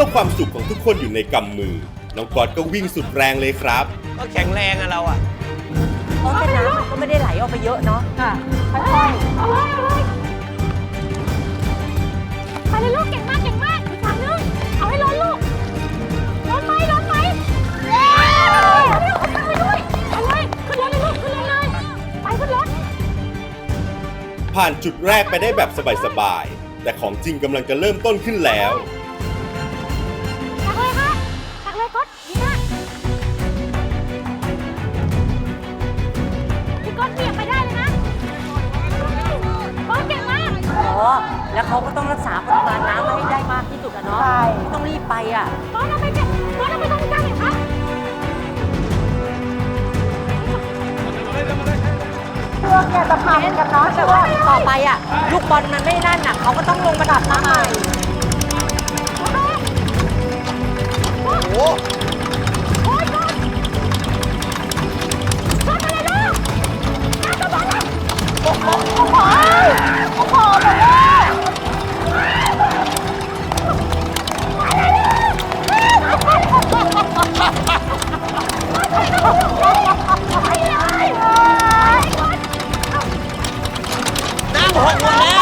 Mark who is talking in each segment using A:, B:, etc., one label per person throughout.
A: ความสุขของทุกคนอยู่ในกำมือน้องก๊อตก็วิ่งสุดแรงเลยครับ
B: ก็แข็งแรงอะเราอะ
C: เพราะแต่น้ำมันก็ไม่ได้ไหลออกไปเยอะเนาะ
D: ค่ะค่อยๆเอาเลยไปเลยลูกเก่งมากอีกฝั่งนึงเอาให้ล้นลูกล้นไหมเร็วไปด้วยเอาเลยขึ้นรถเลยลูกขึ้นรถเลยไปขึ้นรถ
A: ผ่านจุดแรกไปได้แบบสบายๆแต่ของจริงกำลังจะเริ่มต้นขึ้นแล้ว
D: ตักเลยค่ะตักเลยก๊อตดีมากพี่ก๊อตเบี่ยงไปได้เลยนะก๊อตเก่งมาก
C: แล้วเขาก็ต้องรักษาปริมาณน้ำให้ได้มากที่สุดอะเนาะไม่ต้องรีบไปอะ
D: ก๊อตเอาไปเก็บก๊อตเอาไปตรงกลางเลยค่ะเชือกเนี่ยจะพังกันเนาะ
C: แต่ว่าต่อไปอะลูกบอลมันไม่นั่นอะเขาก็ต้องลงมาดับมาใหม่
B: โอ้
D: โอ้ยก๊อตก๊อตอะไรลูกน้ำจะบอลแล้วโอ้โหเลย
B: น้ำหกหมดแล้ว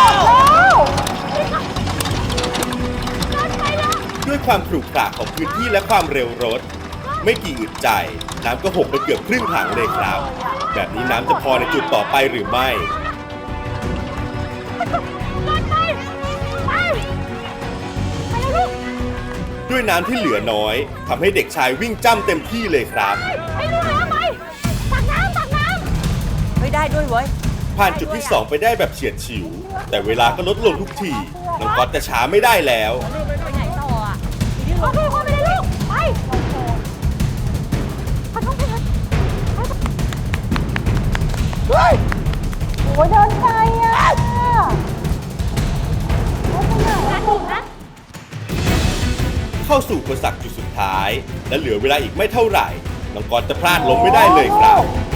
A: ด้วยความขรุขระของพื้นที่และความเร็วรถไม่กี่อึดใจน้ำก็หกไปเกือบครึ่งถังเลยครับแบบนี้น้ำจะพอในจุดต่อไปหรือไม่ด้วยน้ำที่เหลือน้อยทำให้เด็กชายวิ่งจ้ำเต็มที่เลยครับ
C: ไม่ได้ด้วยเว้ย
A: ผ่านจุดที่2ไปได้แบบเฉียดฉิวแต่เวลาก็ลดลงทุกทีน้องก๊อตจะช้าไม่ได้แล้ว
C: ไปไหนต่ออ่ะ
D: ไปเลยลูกไปขอโทษเลยเฮ้ยโอ้ยเดินไกลอ่ะ
A: เข้าสู่อุปสรรคจุดสุดท้ายและเหลือเวลาอีกไม่เท่าไหร่น้องก๊อตจะพลาดล้มไม่ได้เลยครับ